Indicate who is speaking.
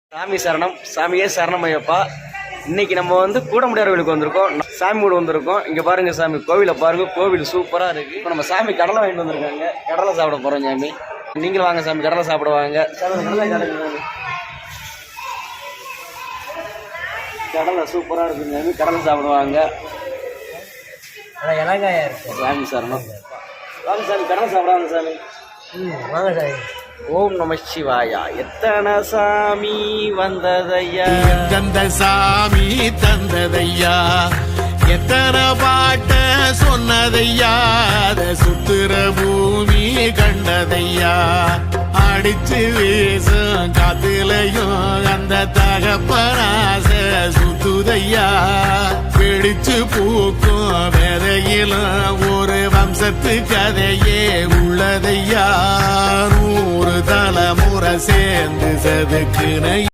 Speaker 1: சாமி சரணம், சாமியே சரணம் ஐயப்பா. இன்னைக்கு நம்ம வந்து கூடமுடியார் கோவிலுக்கு வந்திருக்கோம். சாமி கூட வந்திருக்கோம். இங்க பாருங்க சாமி, கோவிலை பாருங்க, கோவில் சூப்பரா இருக்கு. இப்போ நம்ம சாமி கடலை வாங்கிட்டு வந்திருக்காங்க. கடலை சாப்பிட போறோம் சாமி. நீங்களும் வாங்க சாமி, கடலை சாப்பிடுவாங்க. கடலை சூப்பரா இருக்கு சாமி, கடலை சாப்பிடுவாங்க.
Speaker 2: இலங்காயா இருக்கு.
Speaker 1: சாமி சரணம். வாங்க சாமி, கடலை சாப்பிடுவாங்க சாமி.
Speaker 2: வாங்க சாமி.
Speaker 1: ஓம் நம சிவாயா. எத்தனை சாமி வந்ததையா,
Speaker 3: எந்தெந்த சாமி தந்ததையா, எத்தனை பாட்ட சொன்னதையா, அத சுத்துற பூமி கண்டதையா, அடிச்சு வீசும் காத்துலையும் அந்த தகப்பனாச சுத்துதையா, பிடிச்சு பூக்கும் வேதையிலும் ஒரு வம்சத்து கதையே உள்ளதையா, 100 தலைமுறை சேர்ந்து செதுக்குன